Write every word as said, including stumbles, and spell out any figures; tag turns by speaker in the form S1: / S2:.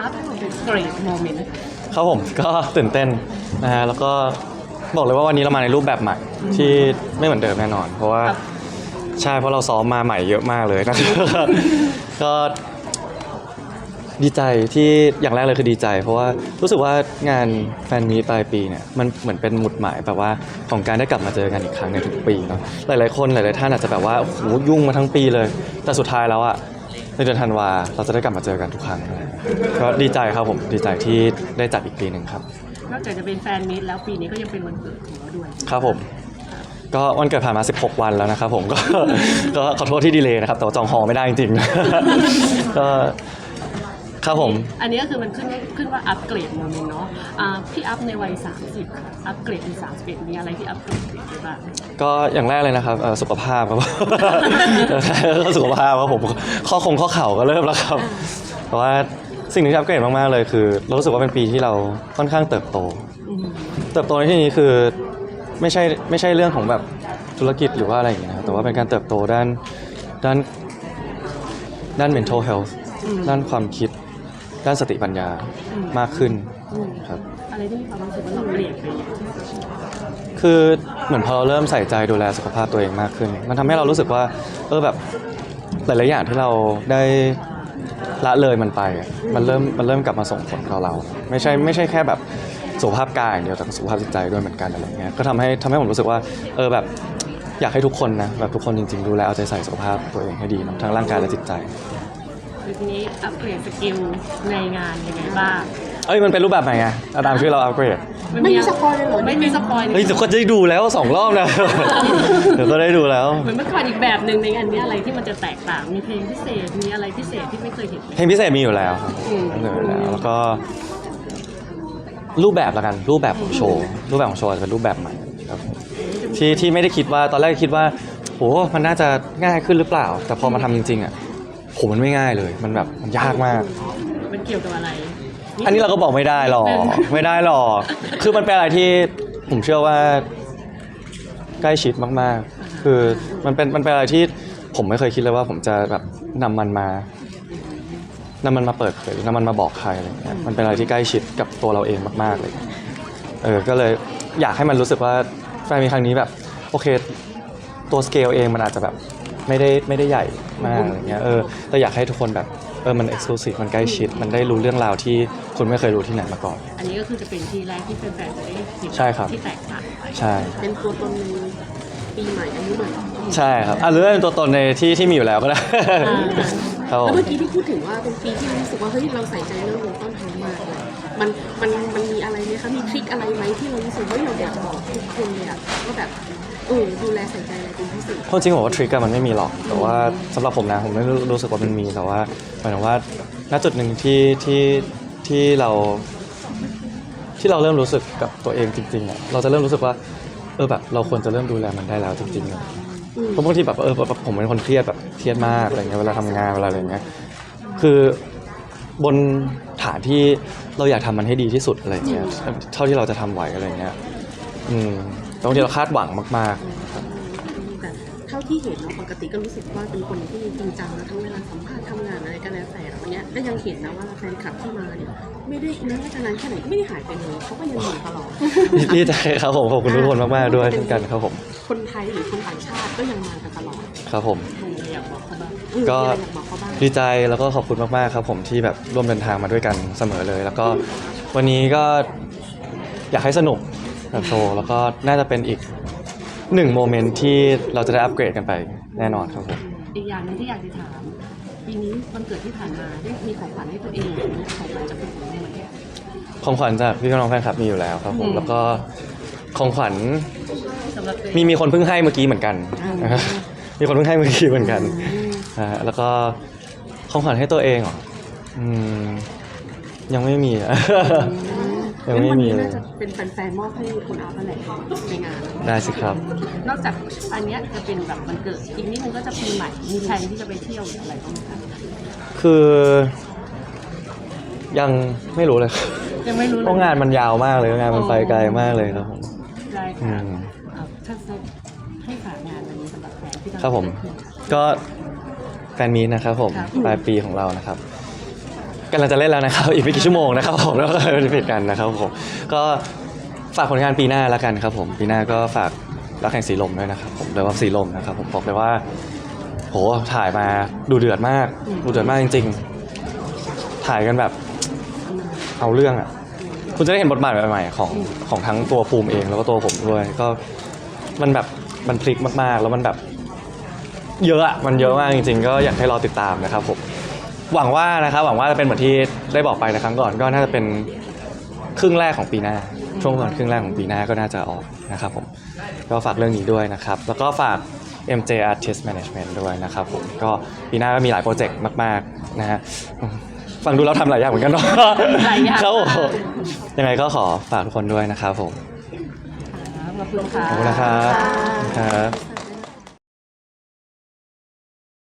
S1: อัพเป็นเกรดโมเมนต์
S2: ครับผมก็ตื่นเต้นนะฮะแล้วก็บอกเลยว่าวันนี้เรามาในรูปแบบใหม่ที่ไม่เหมือนเดิมแน่นอนเพราะว่าใช่เพราะเราซ้อมมาใหม่เยอะมากเลยนะ ก็ดีใจที่อย่างแรกเลยคือดีใจเพราะว่ารู้สึกว่างานแฟนมีตปลายปีเนี่ยมันเหมือนเป็นหมุดหมายแบบว่าของการได้กลับมาเจอกันอีกครั้งในทุกปีเนาะหลายๆคนหลายๆท่านอาจจะแบบว่าโอ้โหยุ่งมาทั้งปีเลยแต่สุดท้ายแล้วอะในเดือนธันวาเราจะได้กลับมาเจอกันทุกครั้งก็ดีใจครับผมดีใจที่ได้จัดอีกปีหนึ่งครับ
S1: นอกจากจะเป็นแฟนมีตแล้วปีนี้ก็ยังเป็นวันเกิดของเราด้วย
S2: ครับผมก็วันเกิดผ่านมาสิบหกวันแล้วนะครับผมก็ก็ขอโทษที่ดีเลย์นะครับแต่ว่าจองฮอลไม่ได้จริงๆก็ครับผม
S1: อันนี้ก็คือมันขึ้นขึ้นว่าอัปเกรดโมเมนต์เนาะอ่าพี่อัพในวัยสามสิบอัปเกรดเป็นสามสิบเอ็ดมีอะไรที่อัปเกรดได้บ้าง
S2: ก็อย่างแรกเลยนะครับสุขภาพครับสุขภาพครับผมข้อคงข้อเข่าก็เริ่มแล้วครับเพราะว่าสิ่งที่อัปเกรดมากๆเลยคือเรารู้สึกว่าเป็นปีที่เราค่อนข้างเติบโตเติบโตในที่นี้คือไม่ใช่ไม่ใช่เรื่องของแบบธุรกิจหรือว่าอะไรอย่างเงี้ยนะแต่ว่าเป็นการเติบโตด้านด้านด้าน mental health ด้านความคิดด้านสติปัญญามากขึ้นครับ
S1: อะไรที่มีความรู้สึกว่าเราเปลี่ยนไป
S2: คือเหมือนพอเราเริ่มใส่ใจดูแลสุขภาพตัวเองมากขึ้นมันทำให้เรารู้สึกว่าเออแบบหลายๆอย่างที่เราได้ละเลยมันไปมันเริ่มมันเริ่มกลับมาส่งผลกับเราไม่ใช่ไม่ใช่แค่แบบสุขภาพกายอย่างเดียวแต่สุขภาพจิตใจด้วยเหมือนกันอะไรเงี้ยก็ทำให้ทำให้ผมรู้สึกว่าเออแบบอยากให้ทุกคนนะแบบทุกคนจริงๆดูแลเอาใจใส่สุขภาพตัวเองให้ดีทั้งร่างกายและจิตใจ
S1: ทีนี้อัปเกรดสกิลในงานยังไงบ้าง
S2: เอ้ยมันเป็นรูปแบบไหนไงตามชื่อเราอัปเกรด
S1: ไม่มีสปอยเลยเหรอไม่มีสปอย
S2: เฮ้ยเดี๋ยวก็ได้ดูแล้วสองรอบนะเดี๋ยวก็ได้ดูแล้ว
S1: เหมือนเมื่อก่อนอีกแบบหนึ่งในงานนี้อะไรที่มันจะแตกต่างมีเพลงพิเศษมีอะไรพิเศษที่ไม่เคยเห็น
S2: เพลงพิเศษมีอยู่แล้วครับมีอยู่แล้วแล้วก็รูปแบบละกันรูปแบบของโชว์รูปแบบของโชว์จะเป็นรูปแบบใหม่ครับที่ที่ไม่ได้คิดว่าตอนแรกคิดว่าโหมันน่าจะง่ายขึ้นหรือเปล่าแต่พอมาทำจริงๆอ่ะโหมันไม่ง่ายเลยมันแบบมันยากมาก
S1: มันเกี่ยวกับอะไร
S2: อันนี้เราก็บอกไม่ได้หรอกไม่ได้หรอกคือมันเป็นอะไรที่ผมเชื่อว่าใกล้ชิดมากๆคือมันเป็นมันเป็นอะไรที่ผมไม่เคยคิดเลยว่าผมจะแบบนำมันมานำมันมาเปิดเผยนำมันมาบอกใครอะไรเงี้ยมันเป็นอะไรที่ใกล้ชิดกับตัวเราเองมากๆเลยเออก็เลยอยากให้มันรู้สึกว่าแฟนมีครั้งนี้แบบโอเคตัวสเกลเองมันอาจจะแบบไม่ได้ไม่ได้ใหญ่มากอะไรเงี้ยเออแต่อยากให้ทุกคนแบบเออมันเอ็กซ์คลูซีฟมันใกล้ชิดมันได้รู้เรื่องราวที่คุณไม่เคยรู้ที่ไหนมาก่อน
S1: อันนี้ก็คือจะเป็นที่แรกที่แฟนๆจะได้เห็นที่แตกต่างไป
S2: ใช่
S1: เป็นตัวตนปีใหม่อายุใหม่
S2: ใช่ครับอ่ะหรือเป็นตัวตนในที่ที่มีอยู่แล้วก็ได้
S1: แล้วเมื่อกี้ที่พูดถึงว่าเป็นปีที่รู้สึกว่าเฮ้ยเราใส่ใจเรื่องวงต้นทางมากเลยมันมันมันมีอะไรไหมคะมีทริคอะไรไหมที่เรารู้สึกว่าเราอยากจะบอกทุกคนเลยอะว่าแบบเออดูแลใส่ใจอะไรเป็นพิเศษ
S2: จริงผมว่าทริคมันไม่มีหรอกแต่ว่าสำหรับผมนะผมไม่รู้สึกว่ามันมีแต่ว่าหมายถึงว่าณจุดหนึ่งที่ที่ที่เราที่เราเริ่มรู้สึกกับตัวเองจริงๆอ่ะเราจะเริ่มรู้สึกว่าเออแบบเราควรจะเริ่มดูแลมันได้แล้วจริงๆเลยเพราะบางทีแบบเออผมเป็นคนเครียดแบบเครียดมากอะไรเงี้ยเวลาทำงานเวลาอะไรเงี้ยคือบนฐานที่เราอยากทำมันให้ดีที่สุดอะไรเงี้ยเท่าที่เราจะทำไหวอะไรเงี้ยอืมบางทีเราคาดหวังมากๆ
S1: แต่เท่าที่เห็นเราปกติก็รู้สึกว่าเป็นคนที่จริงจังนะทั้งเวลาสัมภาษณ์ทำงานอะไรก็แล้วแต่วันนี้ก็ยังเห็นนะว่าแฟนคลับที่มาเนี่ยไม่ได้แม้ว่าจะนานแค่ไหนก็ไม่ได้หายไปเลยเขาก็ยังอยู่ตลอด
S2: ดีใจครับผมขอบคุณทุกคนมากๆด้วยเช่นกันครับผม
S1: คนไทยหรือคนต่างชาติก็ยังมากันตลอด
S2: ครับผม
S1: อยากบอกเขาบ้าง
S2: ก็ดีใจแล้วก็ขอบคุณมากๆครับผมที่แบบร่วมเดินทางมาด้วยกันเสมอเลยแล้วก็วันนี้ก็อยากให้สนุกกับโชว์แล้วก็น่าจะเป็นอีกหนึ่งโมเมนต์ที่เราจะได้อัปเกรดกันไปแน่นอนครับผม
S1: อีกอย่างนึงที่อยากจะถามปีนี้วันเกิดที่ผ่านมาได้มีของขวัญให้ตัวเองหรือของขวัญจากคนอื่นไหม
S2: ของขวัญจากพี่น้องแฟนคลับมีอยู่แล้วครับผมแล้วก็ของขวัญมีมีคนเพิ่งให้เมื่อกี้เหมือนกันมีคนเพิ่งให้เมื่อกี้เหมือนกันแล้วก็ของขวัญให้ตัวเองเหรออืมยังไม่มีอ่ะยังไม่มีเลย
S1: เป็นแฟนๆมอบให้คุณอาร์ตอะไรในงาน
S2: ได้สิครับ
S1: นอกจากอันนี้จะเป็นแบบวันเกิดอีกนิดนึงก็จะปีใหม่มีแผนที่จะไปเที่ยวหรืออะไรบ้างคะ
S2: คือยังไม่รู้เลย
S1: ยังไม่รู้
S2: เพราะงานมันยาวมากเลยงานมันไปไกลมากเลยครับผม
S1: ได้ค่ะถ้าให้ฝากงานวันนี้สำหรับแฟนที่
S2: ครับผมก็แฟนมีตนะครับผมปลายปีของเรานะครับำลังจะเล่นแล้วนะครับ อีกไม่กี่ชั่วโมงนะครับผมแล้วก็จะปิดกันนะครับผมก็ฝากผลงานปีหน้าแล้วกันครับผมปีหน้าก็ฝากรักแห่งสีลมด้วยนะครับผมเรียกว่าสีลมนะครับผมบอกเลยว่าโหถ่ายมาดูเดือดมากดูเดือดมากจริงๆถ่ายกันแบบเอาเรื่องอ่ะคุณจะได้เห็นบทบาทใหม่ๆของของทั้งตัวภูมิเองแล้วก็ตัวผมด้วยก็มันแบบมันพลิกมากๆแล้วมันแบบเยอะอะมันเยอะมากจริงๆก็อยากให้รอติดตามนะครับผมหวังว่านะครับหวังว่าจะเป็นเหมือนที่ได้บอกไปในครั้งก่อนก็น่าจะเป็นครึ่งแรกของปีหน้าช่วงก่อนครึ่งแรกของปีหน้าก็น่าจะออกนะครับผมก็ฝากเรื่องนี้ด้วยนะครับแล้วก็ฝาก เอ็ม เจ Artist Management ด้วยนะครับผมก็ปีหน้าก็มีหลายโปรเจกต์มากๆนะฮะฟังดูแล้วทำหลายอย่างเหมือนกันเนาะ
S1: หลายอย่าง
S2: ครับผมยังไงก็ขอฝากทุกคนด้วยนะครับผม
S1: ขอบคุณค่ะ
S2: ขอบคุณนะครับครับ